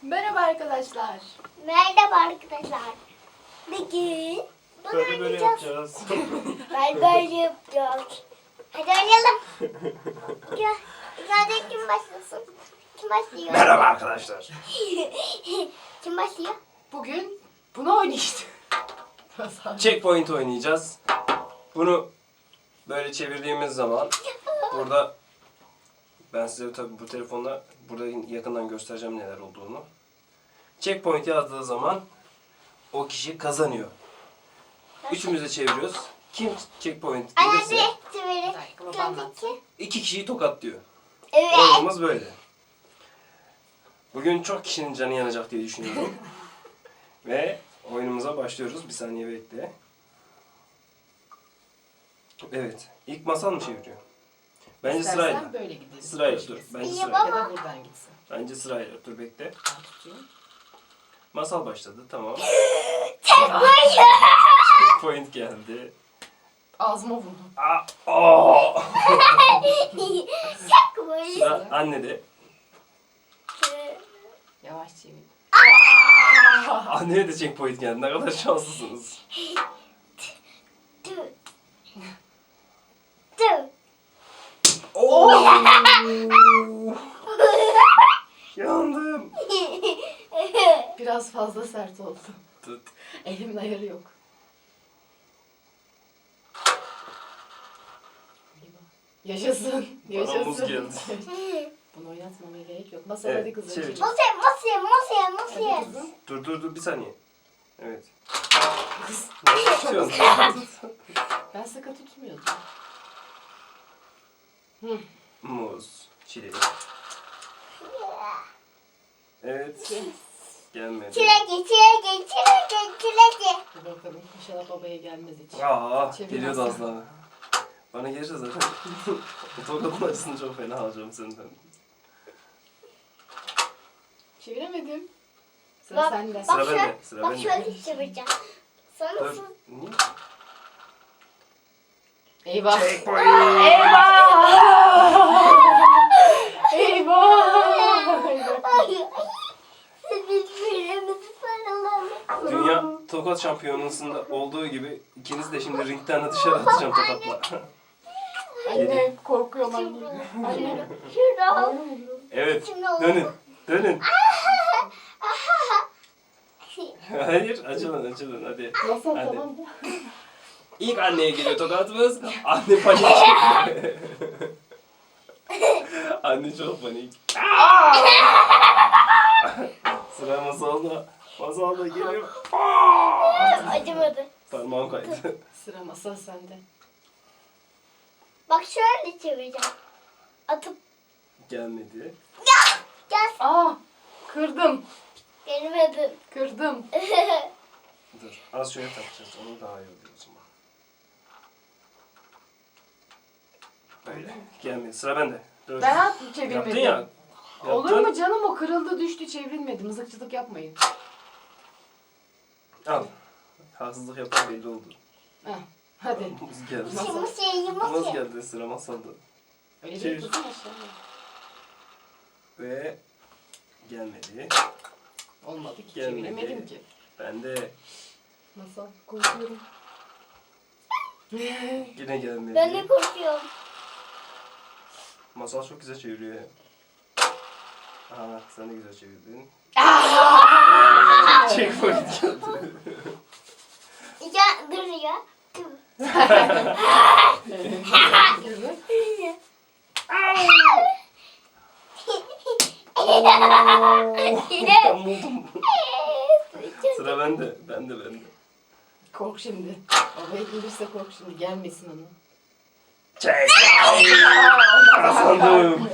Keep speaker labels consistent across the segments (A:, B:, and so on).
A: Merhaba arkadaşlar.
B: Merhaba arkadaşlar. Bugün bunu
C: Böyle
B: oynayacağız.
C: yapacağız.
B: Böyle yapacağız. Hadi oynayalım. Gel. Hadi kim başlasın? Kim başlıyor?
C: Merhaba arkadaşlar.
B: Kim başlıyor?
A: Bugün bunu oynayacağız.
C: Checkpoint oynayacağız. Bunu böyle çevirdiğimiz zaman burada ben size tabii bu telefonla burada yakından göstereceğim neler olduğunu. Checkpoint yazdığı zaman o kişi kazanıyor. Üçümüz de çeviriyoruz. Kim checkpoint gelirse
B: Hadi çevirin.
C: iki kişiyi tokatlıyor.
B: Evet.
C: Oyunumuz böyle. Bugün çok kişinin canı yanacak diye düşünüyorum. Ve oyunumuza başlıyoruz. Bir saniye bekle. Evet. İlk Masal mı çeviriyor? Bence
A: İstersen
C: sırayla.
A: böyle gidelim.
C: Sırayla dur. Bence
B: İyi
C: sırayla.
A: Ya
B: baba.
A: da buradan gitsin.
C: Bence sırayla. Dur bekle.
A: Ben tutayım.
C: Masal başladı. Tamam. Point geldi.
A: Ağzıma vurdum.
B: Çok böyle.
C: Sıra annede.
A: Yavaş çevir.
C: Anneye de checkpoint geldi. Ne kadar şanslısınız.
B: Dur. Dur.
C: Yandım.
A: Biraz fazla sert oldu.
C: Tut.
A: Elimin ayarı yok. Yaşasın.
C: Bana muz
A: Yaşasın.
C: geldi.
A: Bunu oynatmamaya gerek yok. Masal
C: Evet,
A: hadi kızım.
C: çevir.
A: çevir.
B: Masaya.
A: Hadi kızım.
C: Dur bir saniye. Evet.
A: Kız.
C: Nasıl tutuyorsun?
A: Ben sıkı tutmuyordum.
C: Muz, çilek. Evet. Gelmedi.
B: Çileki.
A: Dur bakalım. İnşallah babaya gelmez hiç.
C: Aa,
A: Çevir
C: geliyordu
A: Aslı.
C: az daha. Bana gelirse zaten. Bu tokatın acısını çok fena alacağım senden.
A: Çeviremedim. Sıra
B: Bak,
A: sende.
B: bak
C: Sıra
B: şöyle,
C: bende, sıra
B: bak
C: bende.
B: şöyle çevireceğim. Sonra
C: Dur.
B: su-
C: Niye?
A: Eyvah.
C: Checkpoint.
A: Eyvah.
B: Birbirimizi sarılalım.
C: Dünya tokat şampiyonasında olduğu gibi ikiniz de şimdi ringden dışarı atacağım tokatla.
A: Anne korkuyorum anne. Anne.
B: Şurada.
C: Evet.
B: Şimdi oldu.
C: Dönün. Hayır, açılın hadi.
A: Masal
C: Hadi.
A: tamam.
C: İlk anneye geliyor tokatımız. Anne panik. Anne çok panik. Sıra Masal'da. Masal da geliyor.
B: Acımadı.
C: Parmağım kaydı.
A: Sıra masal sende.
B: Bak şöyle çevireceğim. Atıp
C: Gelmedi.
B: gel.
A: Aa, kırdım.
B: Gelmedin.
A: Kırdım.
C: Dur. Az şöyle takacağız. Onu daha iyi oluyor o zaman. Böyle. Gelmedi. Sıra bende. Dur.
A: Ben
C: Yaptın
A: çevirmedim.
C: ya.
A: Olur
C: Yaptın.
A: mu canım, o kırıldı düştü çevrilmedi. Mızıkçılık yapmayın.
C: Al. Haksızlık yapan belli oldu.
A: Heh, hadi.
C: Muz geldi.
A: Nasıl?
C: Muz geldi sıra Masal'da.
A: Öyle
C: Çevir.
A: değil kızım aşağıya.
C: Ve gelmedi.
A: Olmadı ki,
C: Gelmedi.
A: çeviremedim ki.
C: Ben de
A: Masal korkuyorum.
C: yine gelmedi.
B: Ben de korkuyorum.
C: Masal çok güzel çeviriyor ya. Aha sen de güzel çevirdin. Checkpoint geldi.
B: Ya dur ya. Dur.
A: Kızım.
C: Ben buldum. Sıra bende. Bende.
A: Kork şimdi. Babaya gelirse kork şimdi. Gelmesin ona.
C: Check. Kazandım.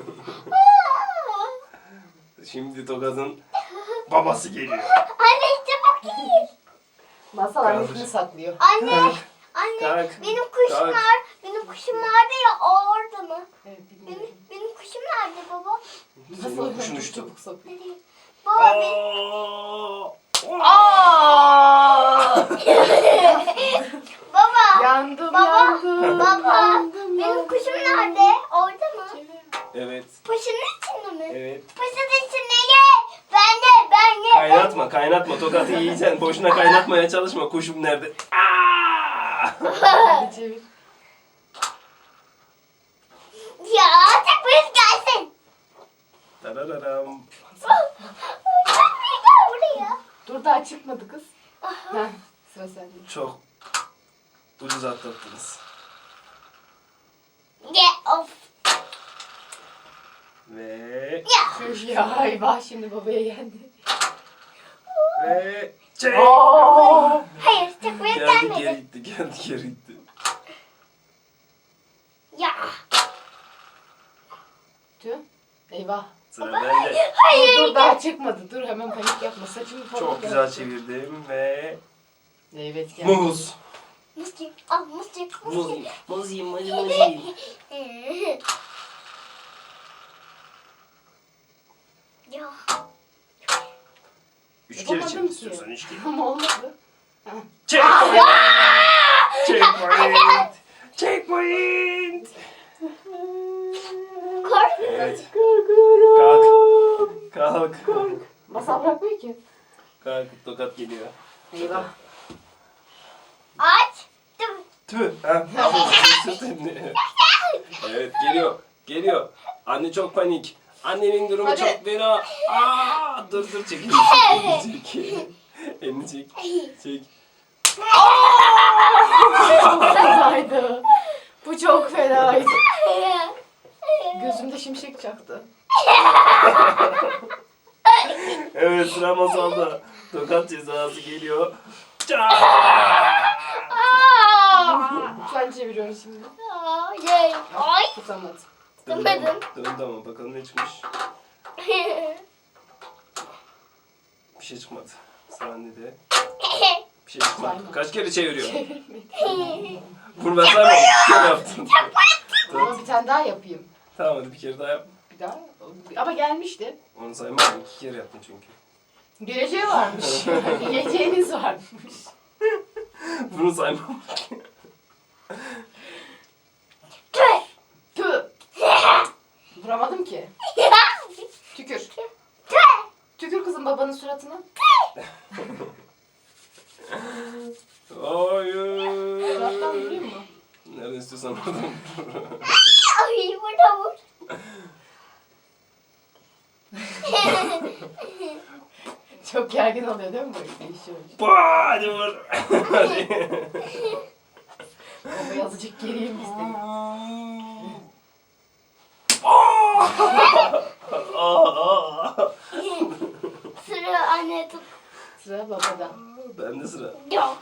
C: Şimdi Tokat'ın babası geliyor.
B: Anne çabuk gir.
A: Masal
C: Kaldır.
A: annesini saklıyor.
B: Anne.
C: Kalk.
B: Anne.
C: Kalk.
B: Benim kuşum
C: Kalk.
B: var. Benim kuşum vardı ya, o orada mı?
A: Evet, bilmiyorum.
B: Benim kuşum nerede baba?
C: Senin
A: Masal
C: kuşun
A: çok
C: uçtu.
A: çabuk sokuyor.
B: Nereye? Baba benim.
A: Aa!
B: Baba.
A: Yandım,
B: Baba.
A: yandım.
B: Baba.
A: Yandım,
B: Benim kuşum nerede? Orada mı?
C: Evet.
B: Paşanın içinde mi?
C: Evet.
B: Paşanın içinde ye. Ben de
C: Kaynatma. Tokatı yiyeceksin. Boşuna kaynatmaya çalışma. Kuşum nerede? Aa!
A: Hadi çevir.
B: Ya tek poyut gelsin.
C: Tarararam.
B: Gel buraya.
A: Dur daha çıkmadı kız. Heh, sıra sende.
C: Çok ucuz atlattınız.
B: Get off.
C: Ve
A: Tüh ya eyvah şimdi babaya yendi.
C: ve çek.
A: Oo!
B: Hayır tek poyut
C: Geldi
B: gelmedi.
C: geri gitti. Geldi geri gitti.
B: Ya.
A: Tüh. Eyvah.
C: Sıra bende.
A: Dur daha çıkmadı. Dur hemen panik yapma. Saçımı falan
C: Çok güzel çevirdim ve
A: Evet geldi.
C: muz.
B: Muzcuk. Al muzcuk.
C: Muz yiyeyim. Muz yiyeyim. Muz yiyeyim.
B: Ya.
C: 3 kere
A: Yapamadım
C: çevir
A: ki.
C: istiyorsan 3 kere.
A: Ama olmadı.
C: Check. Checkpoint. Checkpoint.
B: Kork.
C: Evet.
A: Korkuyorum.
C: Kalk.
A: Masal bırakmıyor ki.
C: Kalk. Tokat geliyor.
A: Eyvah.
B: Aç. Dur.
C: Tüh. Ha. Sırt elini. Evet geliyor. Geliyor. Anne çok panik. Annenin durumu
A: Hadi.
C: çok fena. Aa, dur çek. Elini çek. Elini çek. Çek.
A: Çok fenaydı. Bu çok fenaydı. Gözümde şimşek çaktı.
C: Evet sıra masalda. Tokat cezası geliyor.
A: Lütfen çeviriyorum şimdi.
B: Yay. Ay.
A: Tutamadım.
B: Tutamadım.
C: Dön tamam bakalım ne çıkmış. Bir şey çıkmadı. Sıra annede. Bir şey çıkmadı.
A: Sayma.
C: Kaç kere çeviriyor?
A: Çevirmedim.
C: Bunu ben saymam. Bir kere yaptın.
A: Ama bir tane daha yapayım.
C: Tamam hadi bir kere daha yap.
A: Bir daha. Ama gelmişti.
C: Onu saymam. 2 kere yaptın çünkü.
A: Geleceği varmış. Yiyeceğiniz varmış.
C: Bunu saymam.
A: Tüh. Vuramadım ki. Tükür. Tükür kızım babanın suratına.
C: Hayır.
A: Surattan vurayım mı?
C: Nerede istiyorsan oradan vur.
B: Ay burada vur.
A: Çok gergin oluyor değil mi böyle değişiyor?
C: Bah, hadi vur. Hadi.
A: Baba azıcık geriyim istedim.
B: Sıra anne tut.
A: Sıra babada.
C: Bende sıra.
B: Yok.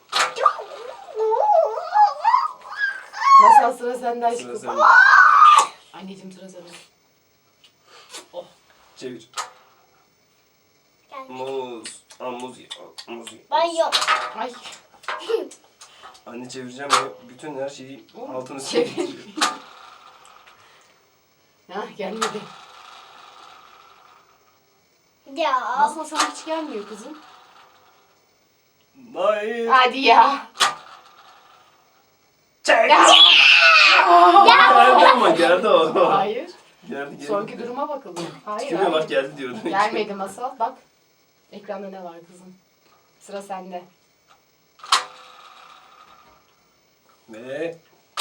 A: Masal sıra senden
C: Sıra
A: çıkıp.
C: sende.
A: Anneciğim sıra sende.
C: Çevir.
B: Gel.
C: Muz. Aa, muz ye. Muz ye.
B: Ben yok.
A: Ay.
C: Anne çevireceğim ve bütün her şeyi altını
A: Çevir.
C: çeviriyor.
A: Hah gelmedi.
B: Ya.
A: Masal sana hiç gelmiyor kızım.
C: Hayır.
A: Hadi ya.
C: Çek.
A: Ya.
C: Geldi ama geldi o.
A: Hayır.
C: Geldi.
A: Sonraki duruma bakalım. Hayır.
C: Kime bak
A: hayır.
C: geldi diyordu.
A: Gelmedi masal. Bak. Ekranda ne var kızım? Sıra sende.
C: Ve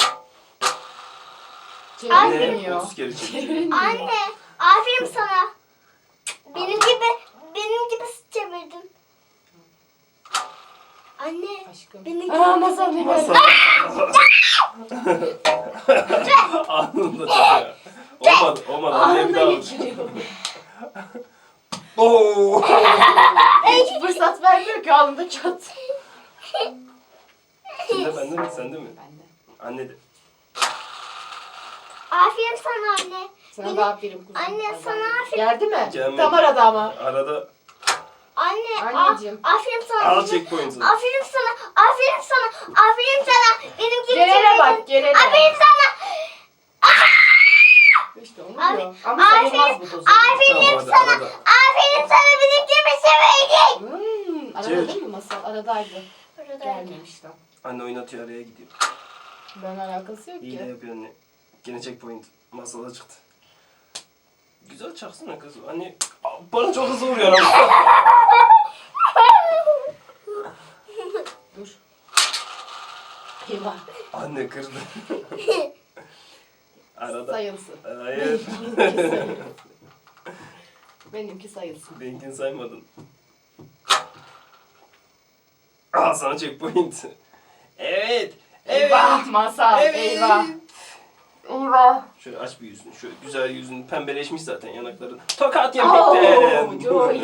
A: Çevirmiyor.
C: 30 kere çeviriyor.
A: Çevirmiyor.
B: Anne. Aferin sana. Benim gibi çevirdin. Anne.
A: Aşkım.
B: Benim gibi.
A: Aa masal ne
C: Masal.
A: geldi?
C: Anında çekiyor. Olmadı. Anneye bir
A: Anında
C: daha vur.
A: geçiriyor.
C: Oo.
A: Hiç fırsat vermiyor ki anında çat.
C: Sende bende mi? Sende mi?
A: Ben de.
C: Anne de.
B: Aferin sana anne.
A: Sana da aferin kuzum.
B: Anne, sana aferin.
A: Geldi mi?
C: Gelmedi.
A: Tam arada ama.
C: Arada
B: Anne.
A: Anneciğim.
B: Aferin sana.
C: al checkpoint'ı.
B: Aferin sana. Aferin sana. Aferin sana. Benim gibi
A: Gelene
B: çevirdin.
A: bak gelene.
B: Aferin sana.
A: İşte onu
B: Abi,
A: diyor. Ama savunmaz bu dozu.
B: Aferin
C: Tamam, hadi,
B: sana.
C: arada.
B: Aferin sana benim gibi çevirdin.
A: Arada
C: Çevir.
A: değil mi masal? Aradaydı. Gelmemiş tam.
C: Anne oynatıyor araya gidiyor.
A: Ben alakası yok
C: İyi de
A: ki.
C: yapıyor anne. Gene checkpoint. Masada çıktı. Güzel çaksana kız. Anne bana çok hızlı vuruyor ama.
A: Eyvah.
C: Anne kırdı. Arada.
A: Sayılsın.
C: Hayır.
A: Benimki sayılsın.
C: Benimkini saymadın. Al sana checkpoint. Evet.
A: Eyvah masal.
C: Evet.
A: Eyvah. Eyvah.
C: Şöyle aç bir yüzünü. Şöyle güzel yüzün pembeleşmiş zaten yanakların. Tokat
A: Oh,
C: yemekten.
A: Joey.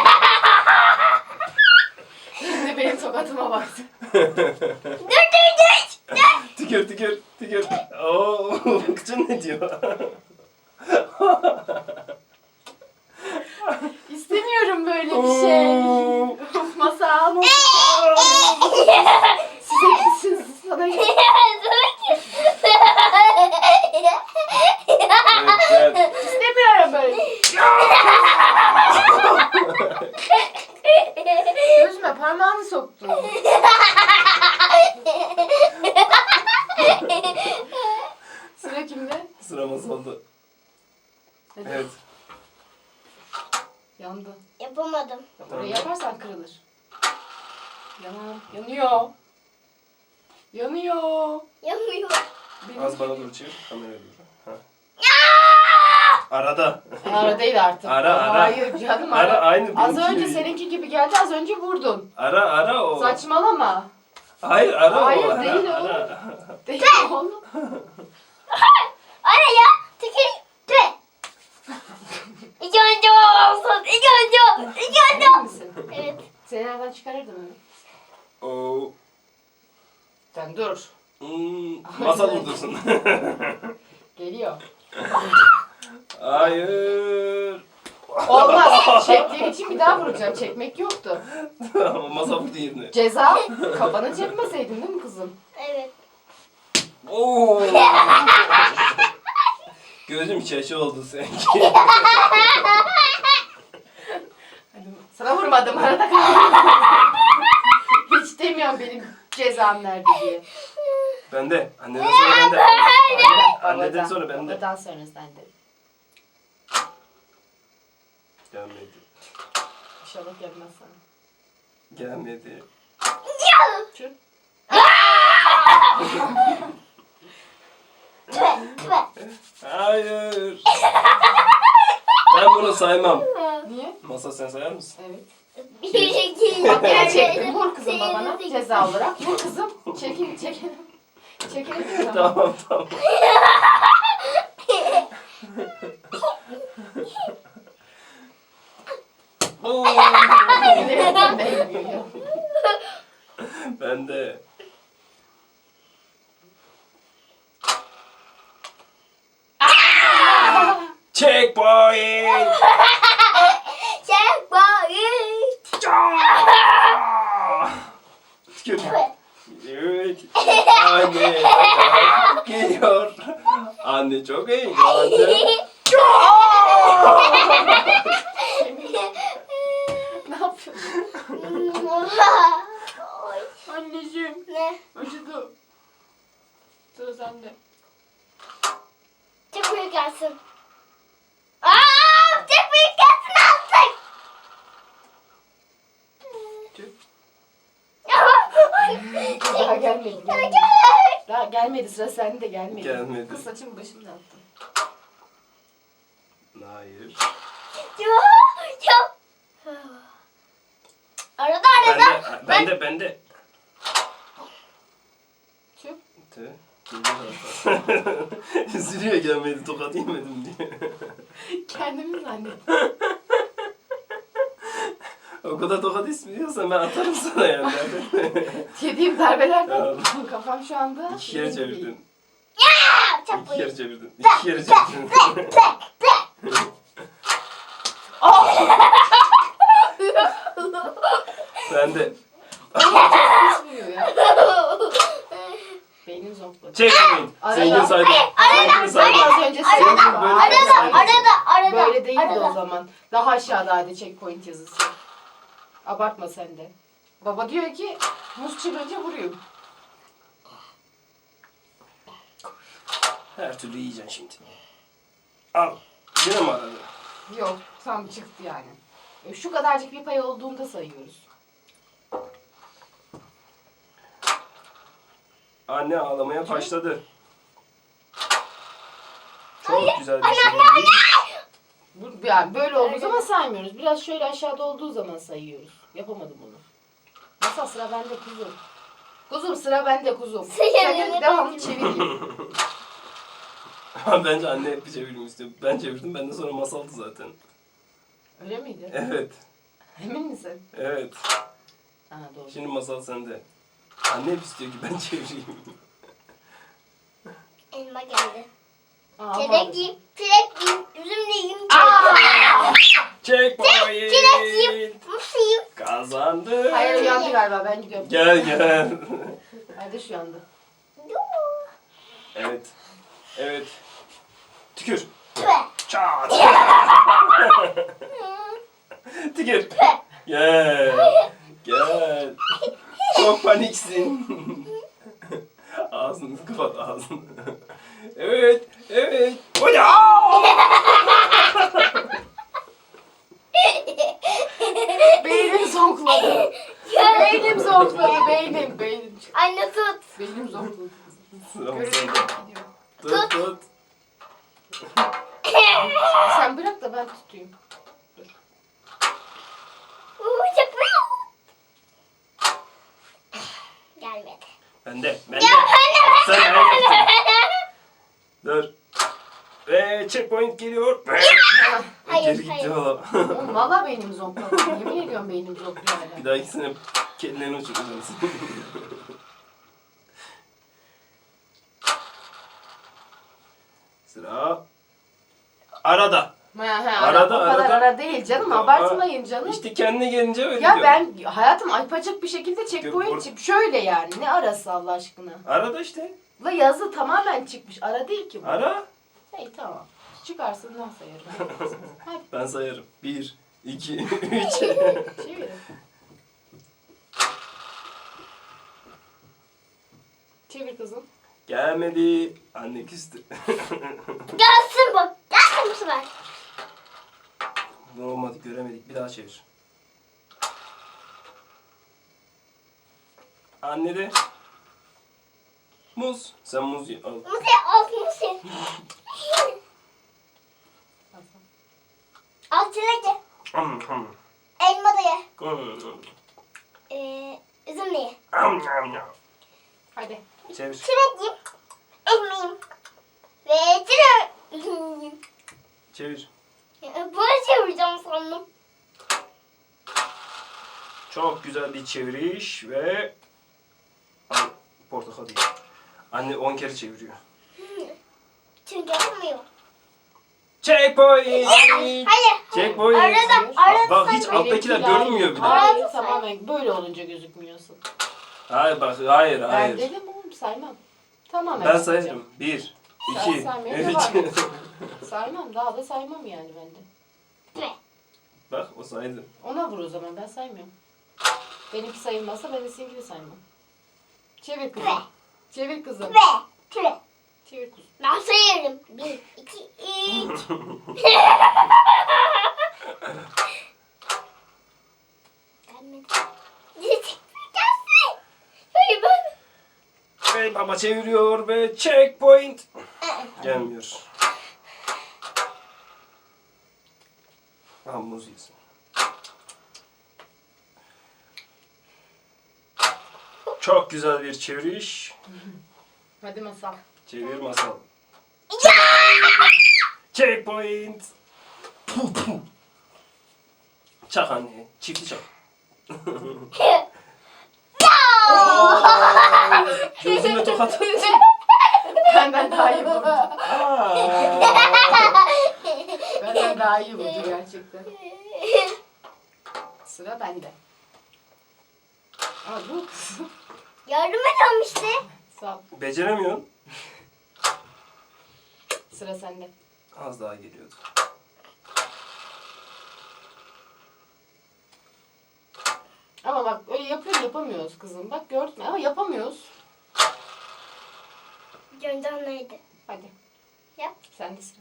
A: Şimdi benim tokatıma baksın.
C: Tükür tükür tükür. Oo, kıçın ne diyor?
A: İstemiyorum böyle bir şey. Of masal. Size gitsin. Sana gitsin.
C: Evet.
A: İstemiyorum böyle. Gözüme parmağını soktu. Sıra kimde?
C: Sıra masalda.
A: Hadi.
C: Evet.
A: Yandı.
B: Yapamadım.
A: Orayı yaparsan kırılır. Yanar. Yanıyor. Yanıyor.
B: Yapmıyor.
A: Benim...
C: Az bana doğru çevir. Kameraya doğru. Ha. Arada.
A: Ara değil artık.
C: Ara.
A: Hayır canım
C: Ara aynı
A: Az
C: benimki
A: önce
C: gibi.
A: seninki gibi geldi. Az önce vurdun.
C: Ara o.
A: Saçmalama.
C: Hayır ara
A: Hayır,
C: o. Ara,
A: değil o.
C: ara.
A: Değil oğlum.
B: Araya tükür. Tüh. İki önce olsun. İki önce. İki önce.
A: Emin misin?
B: Evet.
A: Seni nereden çıkarırdım öyle?
C: Oo.
A: Sen dur.
C: Masal vurdursun.
A: Geliyor.
C: Hayır.
A: Olmaz. Çektiğin için bir daha vuracağım. Çekmek yoktu.
C: Ama masa vurdu yerine.
A: Ceza kafanı çekmeseydin değil mi kızım?
B: Evet.
C: Oo. Gözüm şaşı oldu sanki.
A: Hadi, sana vurmadım arada kaldım. Hiç demiyorum benim cezam nerede diye.
C: Bende. Anneden sonra bende. Anneden sonra bende.
A: Babadan sonra sende.
C: Gelmedi.
A: İnşallah gelmez sana.
C: Gelmedi.
A: Tüh.
C: Hayır. Ben bunu saymam.
A: Niye?
C: Masa sen sayar mısın?
A: Evet.
B: Bir, iki,
A: Bak yine
B: üç,
A: çektim. Vur kızım
B: sekiz,
A: babana
B: sekiz.
A: ceza olarak. Vur kızım. Çekin çekin. Çekin diyorum.
C: Tamam tamam. Oo.
A: Nereden değmiyor ya?
C: Ben de. Checkpoint.
B: Checkpoint.
C: Tükür. Evet. Anne geliyor. Anne çok heyecanlı.
A: Ne yapıyorsun? Anneciğim.
B: Ne?
A: Acıdı. Sıra sende.
B: Çok büyük gelsin. Çok büyük gelsin artık.
A: Tüh. Daha gelmedi. Daha gelmedi. Sıra sende gelmedi.
C: Gelmedi.
A: Kız saçımı başımda attım.
C: Hayır.
B: Çok. Arada arada.
C: Bende.
A: Tüh.
C: Tüh. Üzülüyor gelmedi tokat yemedim diye.
A: Kendimi zannettim.
C: O kadar tokat istiyorsan ben atarım sana yani.
A: Yediğim darbelerden
C: Tamam.
A: kafam şu anda...
C: İki kere çevirdin.
B: Çok
C: İki
B: büyük.
C: kere çevirdin. İki kere çevirdin. Ben de.
A: Kesmiyor ya. Beynim zonkladı.
C: Checkpoint.
A: Arada.
C: Seninkini saydım. Seninkini saydım.
A: Az önce
C: Seninki
A: söyledim.
C: böyle
B: Arada.
A: Böyle değildi
B: arada.
A: o zaman. Daha aşağıdaydı checkpoint yazısı. Abartma sen de. Baba diyor ki muz çırpınca vurayım.
C: Her türlü yiyeceksin şimdi. Al. Yine mi aradı?
A: Yok tam çıktı yani. Şu kadarcık bir pay olduğunda sayıyoruz.
C: Anne ağlamaya başladı. Çok güzel bir çevirdi.
A: Yani böyle olduğu zaman saymıyoruz. Biraz şöyle aşağıda olduğu zaman sayıyoruz. Yapamadım onu. Masal sıra bende kuzum. Kuzum sıra bende kuzum. Sen de devamlı çevireyim.
C: Bence anne hep çevirmek istiyor. Ben çevirdim. Ben de sonra masaldı zaten.
A: Öyle miydi?
C: Evet.
A: Emin misin?
C: Evet.
A: Ha doğru.
C: Şimdi masal sende. Anne hep istiyor ki ben çevireyim.
B: Elma geldi.
A: Aa,
B: Çilek yiyeyim, üzüm de yiyeyim.
C: Checkpoint.
B: Çilek yiyeyim, muz yiyeyim.
C: Kazandı.
A: Hayır uyandı galiba ben gidiyorum.
C: Gel.
A: Kardeş uyandı.
C: Evet. Evet. Tükür.
B: Tüh.
C: Çat. Tükür. Gel. Gel. Çok paniksin. Ağzını kapat ağzını. Evet. Evet. Hoca.
A: Beynim zonkladı. Beynim zonkladı. Beynim.
B: Anne tut.
A: Beynim zonkladı.
C: Sıra
A: Görevim
C: masal.
A: gidiyor.
C: Tut tut.
A: Sen bırak da ben tutayım. Dur.
B: Çok gelmedi.
C: Bende.
B: Ya anne
C: Sen ayakta. Dur. Ve checkpoint geliyor.
B: Hayır,
C: Geri gitti
B: hayır.
C: valla.
A: Oğlum valla beynim zonkladı. Yemin ediyorum beynim zonkluyor hala.
C: Bir dahakisine kedilerini uçuracaksın. Sıra arada.
A: Arada, o kadar ara değil canım. Abartmayın canım.
C: İşte kendine gelince öyle
A: Ya
C: diyor.
A: ben hayatım aypacık bir şekilde
C: Yok,
A: checkpoint çık. Şöyle yani. Ne arası Allah aşkına?
C: Arada işte.
A: La yazı tamamen çıkmış. Ara değil ki bu.
C: Ara.
A: Hey tamam. Çıkarsın ben sayarım. Hadi
C: Ben sayarım. 1, 2, 3.
A: çevirin. Çevir kızım.
C: Gelmedi. Anne küstü.
B: Gelsin bak. Gelsin bu sefer.
C: Ne olmadı göremedik. Bir daha çevir. Anne de. Muz. Sen muz al.
B: Muz ye, al muz ye. Al çilek ye. Elma da ye. Üzüm de ye.
A: Hadi.
C: Çevir.
B: Çilek yiyeyim. Elma yiyeyim. Ve çilek. Üzüm yiyeyim.
C: Çevir.
B: Böyle çevireceğim sandım.
C: Çok güzel bir çeviriş ve portakal değil. Anne 10 kere çeviriyor.
B: Çünkü yapmıyor.
C: Checkpoint.
B: Hayır.
C: Checkpoint.
B: Arada
C: Bak hiç
B: sayma.
C: alttakiler
A: Benimkiler-
C: görünmüyor bile.
A: Hayır
B: Arada
A: tamamen böyle olunca gözükmüyorsun.
C: Hayır bak hayır
A: Ben
C: hayır.
A: dedim oğlum saymam. Tamamen
C: Ben
A: sayacağım.
C: sayarım. 1,
A: Sen
C: 2,
A: saymaya
C: 3.
A: devam et. Saymam daha da saymam yani ben de.
B: Ne?
C: Bak o saydı.
A: Ona vur o zaman ben saymıyorum. Benimki sayılmazsa ben de seninkini saymam. Çevir kızım. Çevir kızım.
B: Ve çilek.
A: Çevir kuzum.
B: Ben sayarım. 1, 2, 3. Gelmedi. Gelsin. Hayır ben.
C: Ve baba çeviriyor ve checkpoint. Gelmiyor. Muz yesin. Çok güzel bir çeviriş.
A: Hadi masal.
C: Çevir masal. Checkpoint. Puh, puh. Çak anne. Çifti çak. Gözüme tokat.
A: Benden daha iyi vurdu.
C: Aa.
A: Benden daha iyi vurdu gerçekten. Sıra bende. Aa bu kızım.
B: Yardım ediyorum işte.
A: Sağ ol.
C: Beceremiyorsun.
A: Sıra sende.
C: Az daha geliyordu.
A: Ama bak öyle yapamıyoruz kızım. Bak gördün mü? Ama yapamıyoruz.
B: Gönder neydi?
A: Hadi.
B: Yap.
A: Sende sıra.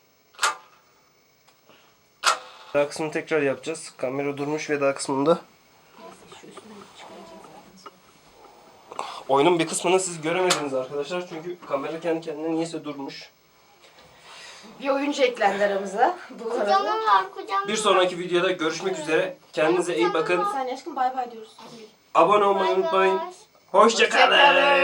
C: Daha kısmını tekrar yapacağız. Kamera durmuş veda kısmında.
A: Neyse şu üstünü çıkaracağız zaten sonra.
C: Oyunun bir kısmını siz göremediniz arkadaşlar. Çünkü kamera kendi kendine niyeyse durmuş.
A: Bir oyuncu eklendi aramıza. Bu arada.
B: Kucağına var kucağına.
C: Bir sonraki videoda görüşmek üzere. Kendinize iyi bakın.
A: Sen aşkım bay bay diyoruz. Hadi.
C: Abone olmayı unutmayın. Hoşça kalın.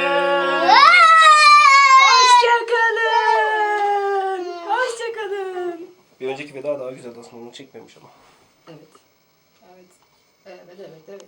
A: Hoşçakalın. Hoşçakalın.
C: Bir önceki veda daha güzeldi aslında, onu çekmemiş ama.
A: Evet. Evet. Evet, evet, evet.